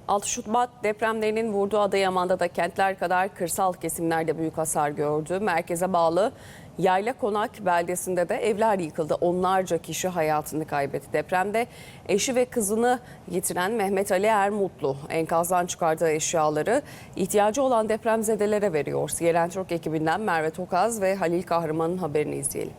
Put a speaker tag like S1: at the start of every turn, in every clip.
S1: 6 Şubat depremlerinin vurduğu Adıyaman'da da kentler kadar kırsal kesimlerde büyük hasar gördü. Merkeze bağlı Yaylakonak beldesinde de evler yıkıldı. Onlarca kişi hayatını kaybetti. Depremde eşi ve kızını yitiren Mehmet Ali Ermutlu enkazdan çıkardığı eşyaları ihtiyacı olan depremzedelere veriyor. CNN Türk ekibinden Merve Tokaz ve Halil Kahraman'ın haberini izleyelim.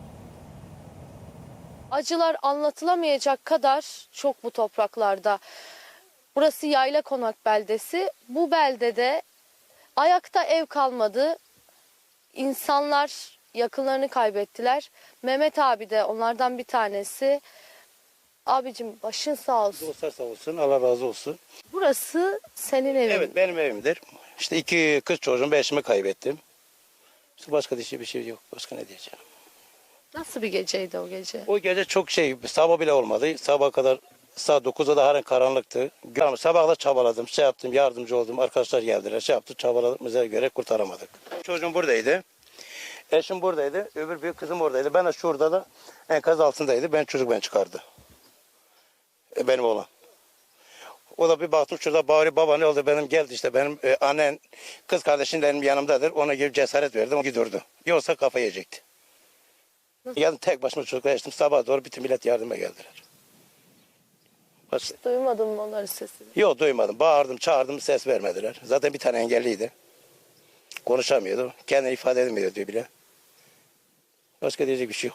S2: Acılar anlatılamayacak kadar çok bu topraklarda. Burası Yaylakonak beldesi. Bu beldede ayakta ev kalmadı. İnsanlar yakınlarını kaybettiler. Mehmet abi de onlardan bir tanesi. Abicim başın sağ olsun.
S3: Dostlar sağ olsun, Allah razı olsun.
S2: Burası senin evin.
S3: Evet, benim evimdir. İşte 2 kız çocuğum, 5'imi kaybettim. İşte başka bir şey yok. Başka ne diyeceğim?
S2: Nasıl bir geceydi o gece?
S3: O gece çok sabah bile olmadı. Sabah kadar saat 9'da da halen karanlıktı. Sabahla çabaladım, yaptım, yardımcı oldum. Arkadaşlar geldiler, yaptı, çabaladığımıza göre kurtaramadık. Çocuğum buradaydı. Eşim buradaydı. Öbür büyük kızım oradaydı. Ben de şurada da enkaz altındaydı. Ben çıkardı. Benim oğlan. O da bir baktım şurada bağırıyor, baba ne oldu benim geldi işte benim annen kız kardeşim benim yanımdadır. Ona gibi cesaret verdim, o gidiyordu. Yoksa kafa yiyecekti. Geldim tek başıma çocuklar açtım, sabah doğru bütün millet yardıma geldiler.
S2: Duymadın mı onların sesini?
S3: Yok duymadım, bağırdım çağırdım ses vermediler. Zaten bir tane engelliydi. Konuşamıyordu, kendini ifade edemiyordu diyor bile. Başka diyecek bir şey yok.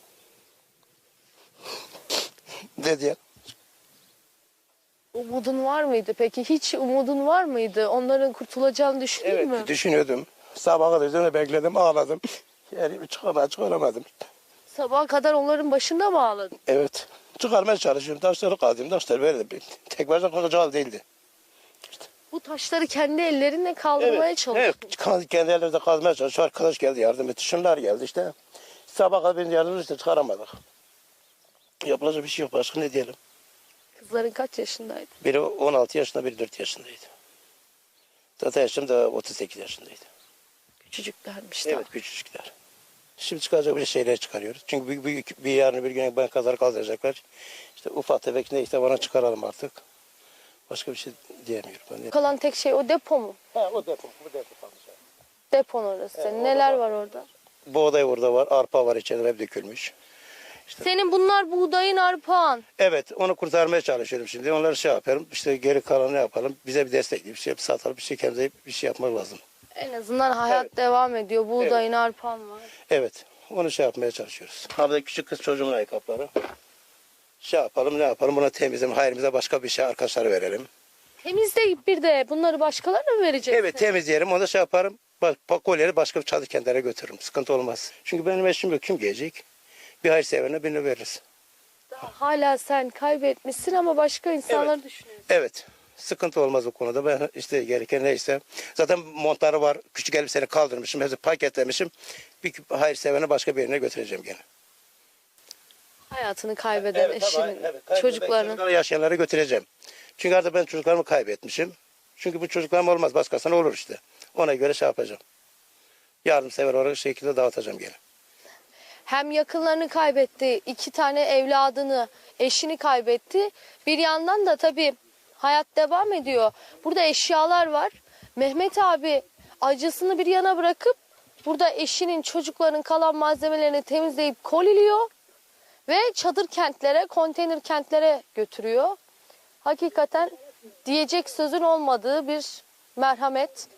S3: Ne diye?
S2: Umudun var mıydı peki? Hiç umudun var mıydı? Onların kurtulacağını düşündün
S3: Evet
S2: mü?
S3: düşünüyordum. Sabaha kadar üzerine bekledim ağladım. Yani çıkaramadım.
S2: Sabaha kadar onların başında mı ağladın?
S3: Evet. Çıkarmaya çalışıyorum. Taşları kazıyorum. Taşları verdim. Tek başına kalkacağı değildi.
S2: Bu taşları kendi ellerinle kaldırmaya çalıştın.
S3: Evet. Kendi elimizde kazmaya çalışıyor. Arkadaş geldi yardım etti. Şunlar geldi işte. Sabah kadar beni yardım etti. Çıkaramadık. Yapılacak bir şey yok. Başka ne diyelim?
S2: Kızların kaç yaşındaydı?
S3: Biri 16 yaşında, biri 4 yaşındaydı. Zaten yaşım da 38 yaşındaydı.
S2: Küçücüklermiş.
S3: Evet küçücükler. Şimdi çıkacak bir şeyler çıkarıyoruz. Çünkü bir yarın bir gün ben kazar kaldıracaklar. İşte ufak tefek neyse bana çıkaralım artık. Başka bir şey diyemiyorum. Ben
S2: Kalan tek şey o depo mu?
S3: o depo. Bu depo kalmış.
S2: Depon orası.
S3: Evet,
S2: Neler
S3: orada
S2: var orada?
S3: Buğday orada var, arpa var içeride hep dökülmüş.
S2: Senin bunlar buğdayın, arpağan.
S3: Evet, onu kurtarmaya çalışıyorum şimdi. Onları yapıyorum. İşte geri kalanı ne yapalım? Bize bir destek bir şey satalım, bir şey kendimize bir şey yapmak lazım.
S2: En azından hayat devam ediyor. Buğdayın, arpağan var.
S3: Evet, onu yapmaya çalışıyoruz. Abi küçük kız çocuğumun ayakkabıları. Yapalım, ne yapalım? Buna temizleyelim, hayrımıza başka bir şey arkadaşlara verelim.
S2: Temizleyip bir de bunları başkalarına mı vereceksin?
S3: Evet, temizleyelim, onu da yaparım. Kolyeleri başka bir çadır kentlere götürürüm. Sıkıntı olmaz. Çünkü benim eşim yok, kim gelecek? Bir hayırseverine birini veririz.
S2: Hala sen kaybetmişsin ama başka insanları düşünüyorsun.
S3: Evet. Sıkıntı olmaz o konuda. Ben işte gereken neyse. Zaten montları var. Küçük elbiseni kaldırmışım. Hepsi paketlemişim. Bir hayırseverine başka birine götüreceğim gene.
S2: Hayatını kaybeden eşinin, çocuklarının.
S3: Çocukları yaşayanlara götüreceğim. Çünkü artık ben çocuklarımı kaybetmişim. Çünkü bu çocuklarım olmaz. Başkasına olur işte. Ona göre yapacağım. Yardımsever olarak şekilde dağıtacağım gene.
S2: Hem yakınlarını kaybetti, 2 tane evladını, eşini kaybetti. Bir yandan da tabii hayat devam ediyor. Burada eşyalar var. Mehmet abi acısını bir yana bırakıp burada eşinin, çocukların kalan malzemelerini temizleyip koliliyor ve çadır kentlere, konteyner kentlere götürüyor. Hakikaten diyecek sözün olmadığı bir merhamet.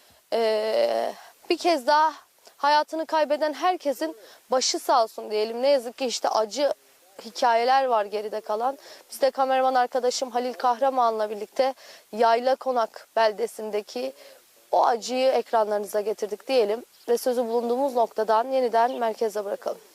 S2: Bir kez daha hayatını kaybeden herkesin başı sağ olsun diyelim. Ne yazık ki işte acı hikayeler var geride kalan. Biz de kameraman arkadaşım Halil Kahraman'la birlikte Yaylakonak beldesindeki o acıyı ekranlarınıza getirdik diyelim. Ve sözü bulunduğumuz noktadan yeniden merkeze bırakalım.